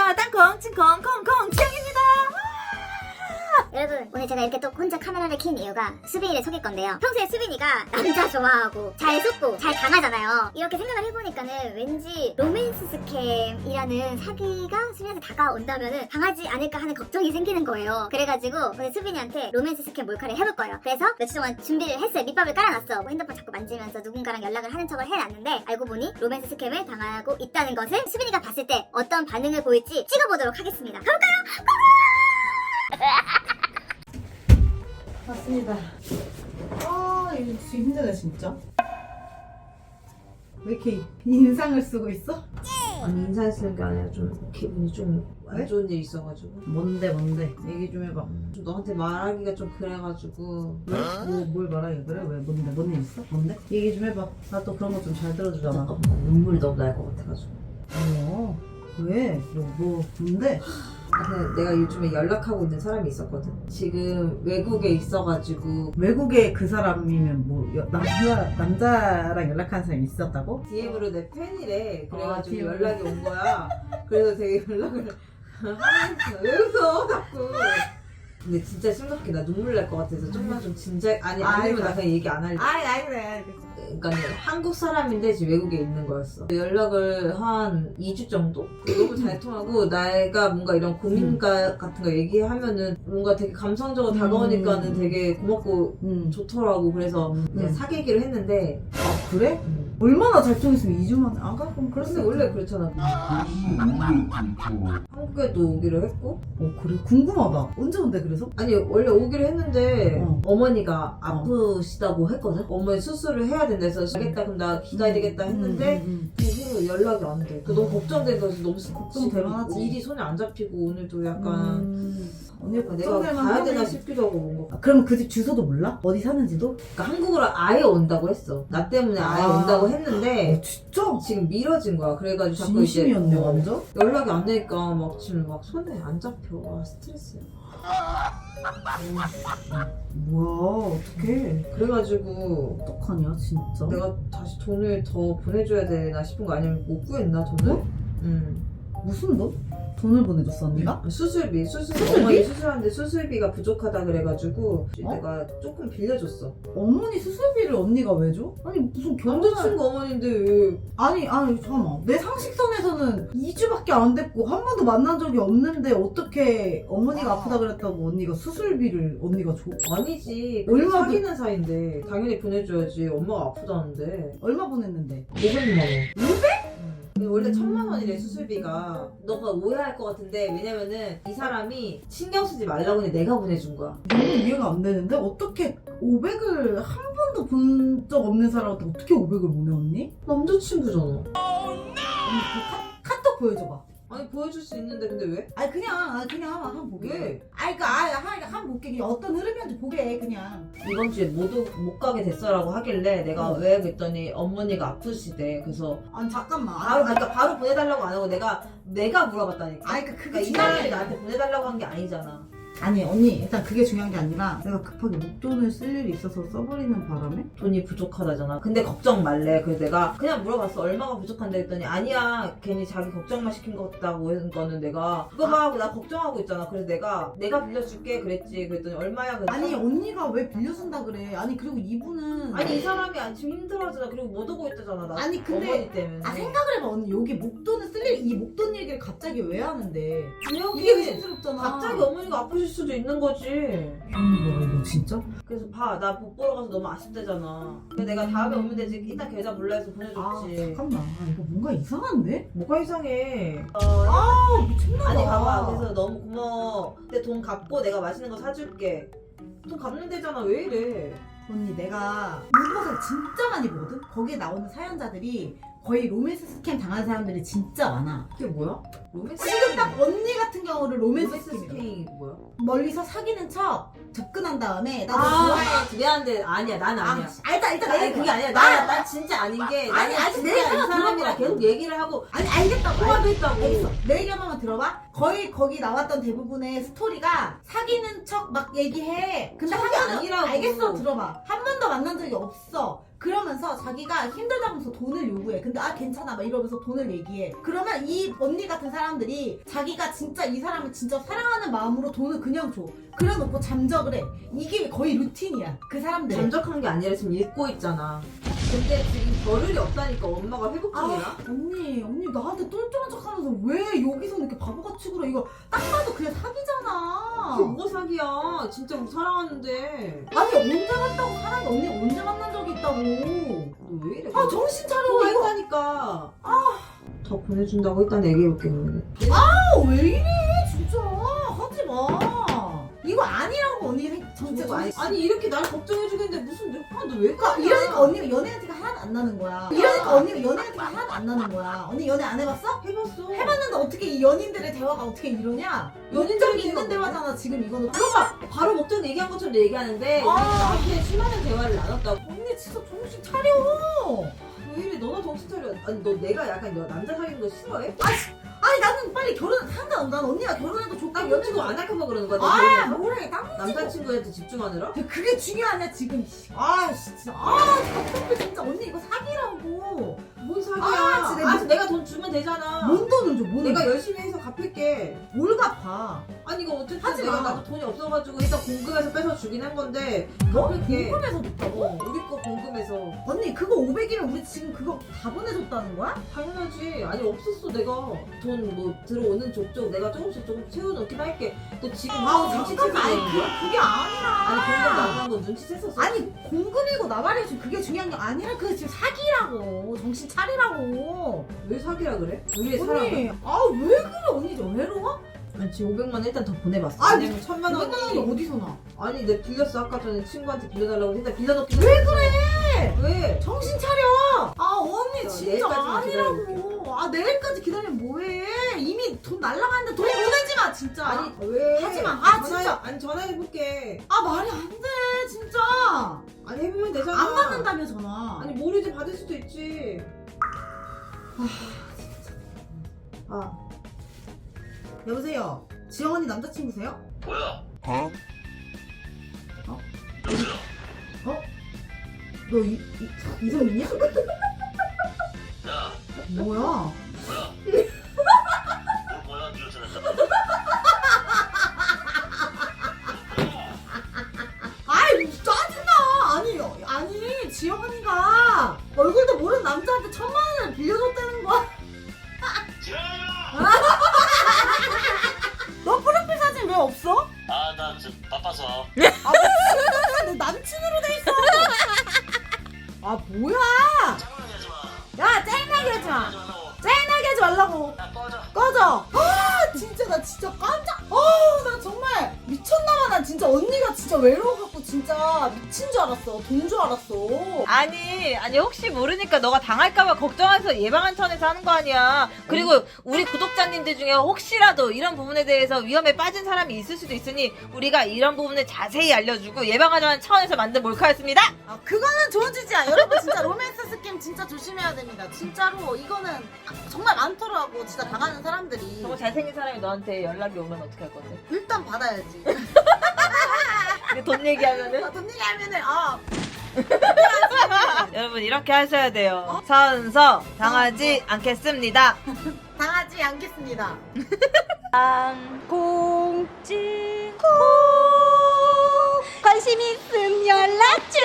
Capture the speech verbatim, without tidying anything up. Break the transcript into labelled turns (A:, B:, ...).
A: 안녕하세요. 땅콩, 칭콩, 콩콩, 지영입니다.
B: 여러분, 오늘 제가 이렇게 또 혼자 카메라를 킨 이유가 수빈이를 속일 건데요. 평소에 수빈이가 남자 좋아하고 잘 속고 잘 당하잖아요. 이렇게 생각을 해보니까는 왠지 로맨스 스캠이라는 사기가 수빈이한테 다가온다면은 당하지 않을까 하는 걱정이 생기는 거예요. 그래가지고 오늘 수빈이한테 로맨스 스캠 몰카를 해볼 거예요. 그래서 며칠 동안 준비를 했어요. 밑밥을 깔아놨어. 뭐 핸드폰 자꾸 만지면서 누군가랑 연락을 하는 척을 해놨는데 알고 보니 로맨스 스캠을 당하고 있다는 것을 수빈이가 봤을 때 어떤 반응을 보일지 찍어보도록 하겠습니다. 가볼까요?
A: 맞습니다. 아, 이거 진짜 힘드네, 진짜. 왜 이렇게 인상을 쓰고 있어?
C: 아니 인사를 쓰는 게 아니라 좀 기분이 좀 안
A: 왜?
C: 좋은 일이 있어가지고
A: 뭔데, 뭔데? 얘기 좀 해봐.
C: 좀 너한테 말하기가 좀 그래가지고
A: 왜? 뭐, 뭘 말하기 그래? 왜? 뭔데? 뭔 일 있어? 뭔데? 얘기 좀 해봐. 나 또 그런 거 좀 잘 들어주잖아.
C: 잠깐만 눈물이 너무 날 것 같아가지고
A: 어, 왜? 뭐, 뭐, 뭔데?
C: 아, 근데 내가 요즘에 연락하고 있는 사람이 있었거든. 지금 외국에 있어가지고
A: 외국에 그 사람이면 뭐, 여- 남자, 남자랑 연락하는 사람이 있었다고?
C: 디엠으로 내 팬이래. 그래가지고
A: 아, 디엠으로.
C: 연락이 온 거야. 그래서 되게 연락을 하면서 왜 웃어 자꾸. 근데 진짜 심각해. 나 눈물 날 것 같아서 좀만 좀 진작 아니 아니면 나 그냥 얘기 안 할래.
A: 아이, 아이, 그래, 알겠어.
C: 그러니까 한국 사람인데 지금 외국에 있는 거였어. 연락을 한 이 주 정도? 너무 잘 통하고 내가 뭔가 이런 고민 가 같은 거 얘기하면은 뭔가 되게 감성적으로 다가오니까는
A: 음.
C: 되게 고맙고
A: 응.
C: 좋더라고. 그래서 이제
A: 음.
C: 사귀기로 했는데
A: 아, 그래?
C: 음.
A: 얼마나 잘 통했으면 이 주 만에 안 가? 그럼 그럴
C: 근데
A: 수
C: 원래
A: 있지.
C: 그렇잖아. 한국에도 오기로 했고
A: 어, 그래? 궁금하다. 언제 온대, 그래서?
C: 아니 원래 오기로 했는데
A: 어.
C: 어머니가 아프시다고 했거든? 어머니 수술을 해야 된다 해서 가겠다 그럼 나 기다려야 되겠다 했는데
A: 음, 음,
C: 그 후로 연락이 안 돼. 그 너무 걱정돼서 너무
A: 걱정될 만하지.
C: 일이 손에 안 잡히고 오늘도
A: 음.
C: 약간
A: 음. 언니가
C: 내가
A: 걱정될
C: 가야 되나
A: 만하네.
C: 싶기도 하고 뭔가.
A: 아, 그럼 그 집 주소도 몰라? 어디 사는지도?
C: 그러니까 한국으로 아예 온다고 했어. 나 때문에 아예
A: 아.
C: 온다고
A: 어,
C: 했는데
A: 진짜?
C: 지금 미뤄진 거야. 그래가지고 자꾸 이제
A: 진심이었네,
C: 어,
A: 완전?
C: 연락이 안 되니까 막 지금 막 손에 안 잡혀. 와 스트레스야.
A: 뭐야, 어떡해.
C: 그래가지고
A: 어떡하냐, 진짜.
C: 내가 다시 돈을 더 보내줘야 되나 싶은 거 아니면 못 구했나 돈을?
A: 뭐?
C: 응.
A: 무슨 돈? 돈을 보내줬어, 언니가?
C: 수술비, 수술,
A: 수술비?
C: 어머니 수술하는데 수술비가 부족하다 그래가지고
A: 어?
C: 내가 조금 빌려줬어.
A: 어머니 수술비를 언니가 왜 줘? 아니, 무슨 결혼을.
C: 남자친구 어머니인데 왜?
A: 아니, 아니, 잠깐만. 내 상식선에서는 이 주밖에 안 됐고, 한 번도 만난 적이 없는데, 어떻게 어머니가 아프다 그랬다고 언니가 수술비를 언니가 줘?
C: 아니지.
A: 얼마
C: 얼마 사귀는 사이인데 당연히 보내줘야지. 엄마가 아프다는데.
A: 얼마 보냈는데?
C: 오백만 원. 오백? 응. 원래 천만 원이래 수술비가. 너가 오해할 것 같은데 왜냐면은 이 사람이 신경 쓰지 말라고 해 내가 보내준 거야.
A: 너무 이해가 안 되는데? 어떻게 오백을 한 번도 본 적 없는 사람한테 어떻게 오백을 보내, 언니?
C: 남자친구잖아.
A: 언니 그 카, 카톡 보여줘봐.
C: 아니 보여줄 수 있는데 근데 왜?
A: 아니, 그냥, 아니, 그냥 한번, 한번 보게.
C: 왜?
A: 아니, 그, 아니, 한, 한번 볼게. 그냥 어떤 흐름이었는지 보게, 그냥.
C: 이번 주에 못, 오- 못 가게 됐어라고 하길래 내가
A: 어.
C: 왜 그랬더니 어머니가 아프시대. 그래서
A: 아니, 잠깐만.
C: 바로 그러니까 바로 보내달라고 안 하고 내가 내가 물어봤다니까.
A: 아니, 그, 그게
C: 그러니까 이
A: 중요한
C: 사람이
A: 게
C: 나한테 보내달라고 한 게 아니잖아.
A: 아니, 언니, 일단 그게 중요한 게 아니라 내가 급하게 목돈을 쓸 일이 있어서 써버리는 바람에
C: 돈이 부족하다잖아. 근데 걱정 말래. 그래서 내가 그냥 물어봤어. 얼마가 부족한데 했더니 아니야. 괜히 자기 걱정만 시킨 것 같다고 했는 거는 내가 그거 봐. 나 걱정하고 있잖아. 그래서 내가 내가 빌려줄게 그랬지. 그랬더니 얼마야? 그랬더니
A: 아니, 언니가 왜 빌려준다 그래. 아니, 그리고 이분은
C: 아니 이 사람이 안 지금 힘들어하잖아. 그리고 못 오고 있다잖아. 나
A: 아니, 근데-
C: 어머니 때문에.
A: 아, 생각을 해봐, 언니. 여기 목돈을 쓸 일, 이 목돈 얘기를 갑자기 왜 하는데.
C: 여기
A: 이게 의심스럽잖아.
C: 갑자기 어머니가 아프실 수도 있는 거지.
A: 언니가 이거 진짜?
C: 그래서 봐, 나 복 보러 가서 너무 아쉽대잖아. 근데 내가 다음에 오면 되지. 이따 계좌 몰라 해서
A: 아,
C: 보내줬지.
A: 잠깐만. 아, 이거 뭔가 이상한데?
C: 뭐가 이상해. 어,
A: 아, 미쳤나봐.
C: 아니 봐봐. 그래서 너무 고마워. 근데 돈 갚고 내가 맛있는 거 사줄게. 돈 갚는 데잖아. 왜 이래?
A: 언니, 내가 문버스를 진짜 많이 보거든? 거기에 나오는 사연자들이 거의 로맨스 스캠 당한 사람들이 진짜 많아.
C: 이게 뭐야? 로맨스
A: 지금 딱 언니 같은 경우를 로맨스
C: 로맨스
A: 스캠이야.
C: 스케이 뭐야?
A: 멀리서 사귀는 척 접근한 다음에 나 너
C: 아,
A: 좋아해.
C: 미안한데 아니야. 난 아니야.
A: 아, 알다, 일단
C: 아니
A: 내가
C: 그게 아니야. 나, 난 진짜 아닌 게.
A: 아니,
C: 나는
A: 아니,
C: 진짜
A: 내 얘기
C: 이
A: 하나
C: 사람이랑
A: 들어봐.
C: 계속 얘기를 하고
A: 아니, 알겠다고.
C: 통화도 했다고.
A: 알겠어. 내 얘기 하나만 들어봐. 거의 거기 나왔던 대부분의 스토리가 사귀는 척 막 얘기해. 근데 한
C: 척이
A: 번도
C: 아니라고.
A: 알겠어, 들어봐. 한 번도 번도 만난 적이 없어. 그러면서 자기가 힘들다면서 돈을 요구해. 근데 아 괜찮아 막 이러면서 돈을 얘기해. 그러면 이 언니 같은 사람들이 자기가 진짜 이 사람을 진짜 사랑하는 마음으로 돈을 그냥 줘. 그래놓고 잠적을 해. 이게 거의 루틴이야. 그 사람들.
C: 잠적한 게 아니라 지금 잊고 있잖아. 근데 지금 겨를이 없다니까 엄마가 회복 중이라.
A: 아, 언니, 언니 나한테 똘똘한 척하면서 왜 여기서 이렇게 바보같이 굴어? 이거 딱 봐도 그냥 사기잖아.
C: 그게 뭐가 사기야? 진짜 우리 사랑하는데.
A: 아니 언제 만났다고 사람이 언니 언제 만난 적이 있다고?
C: 너 왜 이래?
A: 아 정신 차려.
C: 또
A: 이거
C: 했다니까. 아, 더 보내준다고 일단 얘기해볼게.
A: 아, 왜 이래 진짜 하지 마. 이거 아니라고 언니 생- 정체
C: 아니,
A: 정신.
C: 아니 이렇게 날 걱정해주겠는데 무슨 아, 너 왜
A: 그러니까
C: 까냐?
A: 이러니까 언니가 연애 티가 하나도 안 나는 거야. 이러니까 언니가 연애 티가 하나도 안 나는 거야. 언니 연애 안 해봤어?
C: 해봤어.
A: 해봤는데 어떻게 이 연인들의 대화가 어떻게 이러냐?
C: 연인들의
A: 연인들이 있는
C: 대화가
A: 대화잖아 지금 이거는.
C: 그거 봐. 바로 목전 얘기한 것처럼 얘기하는데
A: 아.
C: 나한테 수많은 대화를 나눴다고.
A: 언니 진짜 정신 차려.
C: 왜 이래? 너나 정신 차려. 아니 너 내가 약간 너 남자 사귀는 거 싫어해?
A: 아니 나는 빨리 결혼 상관없어. 난 언니가 결혼해도 좋다.
C: 나 여친구 안 할까봐 그러는 거야. 너
A: 아
C: 결혼해서?
A: 뭐래 땀.
C: 남자친구한테 집중하느라?
A: 그게 중요하냐 지금. 아 진짜. 아 진짜 진짜 언니 이거 사기라고.
C: 뭔 사기야?
A: 아, 진짜
C: 아,
A: 내가-
C: 내가 돈 주면 되잖아.
A: 뭔 돈을 줘? 뭔
C: 내가 열심히 해서 갚을게.
A: 뭘 갚아?
C: 아니 이거 어쨌든
A: 하지
C: 내가
A: 마.
C: 나도 돈이 없어가지고 일단 공금해서 빼서 주긴 한 건데
A: 너
C: 갚을게.
A: 궁금해서 줬다고?
C: 어, 우리 거 공금해서.
A: 언니 그거 오백이면 우리 지금 그거 다 보내줬다는 거야?
C: 당연하지. 아니 없었어 내가 돈 뭐 들어오는 족족 내가 조금씩 조금 채워놓긴 할게. 너 지금
A: 아
C: 눈치
A: 잠깐만. 아니
C: 채고
A: 그,
C: 거야?
A: 그게 아니라.
C: 아니 공금 나오는 거 눈치챘었어.
A: 아니 공금이고 나발이고 그게 중요한 게 아니라 그게 지금 사기라고. 정신 차리라고.
C: 왜 사기라 그래? 우리의 사랑.
A: 언니 아왜 그래 언니 저 외로워?
C: 아니 지금 오백만 원 일단 더 보내봤어.
A: 아,
C: 왜냐면 천만
A: 오백만 원이
C: 원이
A: 어디서 나?
C: 아니 내가 빌렸어. 아까 전에 친구한테 빌려달라고 했는데 빌려놓긴
A: 왜
C: 했어.
A: 그래?
C: 왜?
A: 정신 차려. 아 언니
C: 자,
A: 진짜
C: 내일까지만
A: 아니라고. 아 내일까지 기다리면 뭐해? 이미 돈 날라가는데 돈 보내지 마 진짜.
C: 아니 왜?
A: 하지 마. 아,
C: 전화해-
A: 진짜.
C: 아니 전화해볼게.
A: 아 말이 안 돼 진짜.
C: 아니 해보면 되잖아.
A: 안 받는다며 전화.
C: 아니 모르지 받을 수도 있지. 아
A: 여보세요. 지영 언니 남자친구세요?
D: 뭐야?
A: 어? 너 이, 이, 이성민이야?
D: 야,
A: 뭐야?
D: 뭐야? 뭐 뭐야? 니가 전화했다.
A: 아이 짜증나. 아니 아니 지영 언니가 얼굴도 모르는 남자한테 천만 원을 빌려줬다는 거야.
D: 지현아!
A: 너 프로필 사진 왜 없어?
D: 아, 나 저 바빠서.
A: 아 미친놈아 내 남친으로 돼 있어. 아 뭐야?
D: 장난하지 하지 마.
A: 야 짤나게 하지 마.
D: 하지 말라고.
A: 짤나게 하지 말라고.
D: 야, 꺼져.
A: 꺼져. 아 진짜 나 진짜 깜짝. 어나 정말 미쳤나봐. 난 진짜 언니가 진짜 외로워갖고 진짜 미친 줄 알았어. 돈 줄 알았어.
E: 아니 아니 혹시 모르니까 너가 당할까봐 걱정해서 예방한 차원에서 하는 거 아니야. 그리고 우리 구독자님들 중에 혹시라도 이런 부분에 대해서 위험에 빠진 사람이 있을 수도 있으니 우리가 이런 부분을 자세히 알려주고 예방하자는 차원에서 만든 몰카였습니다.
A: 아 그거는 좋은 짓이야. 여러분 진짜 로맨스 스캠 진짜 조심해야 됩니다. 진짜로 이거는 정말 많더라고. 진짜 당하는 사람들이.
E: 정말 잘생긴 사람이 너한테 연락이 오면 어떻게 할 건데?
A: 일단 받아야지.
E: 근데 돈 얘기하면은
A: 아, 돈 얘기하면은 아
E: 여러분 이렇게 하셔야 돼요. 선서 당하지 않겠습니다.
A: 당하지 않겠습니다.
F: 공지 관심 있음 연락 주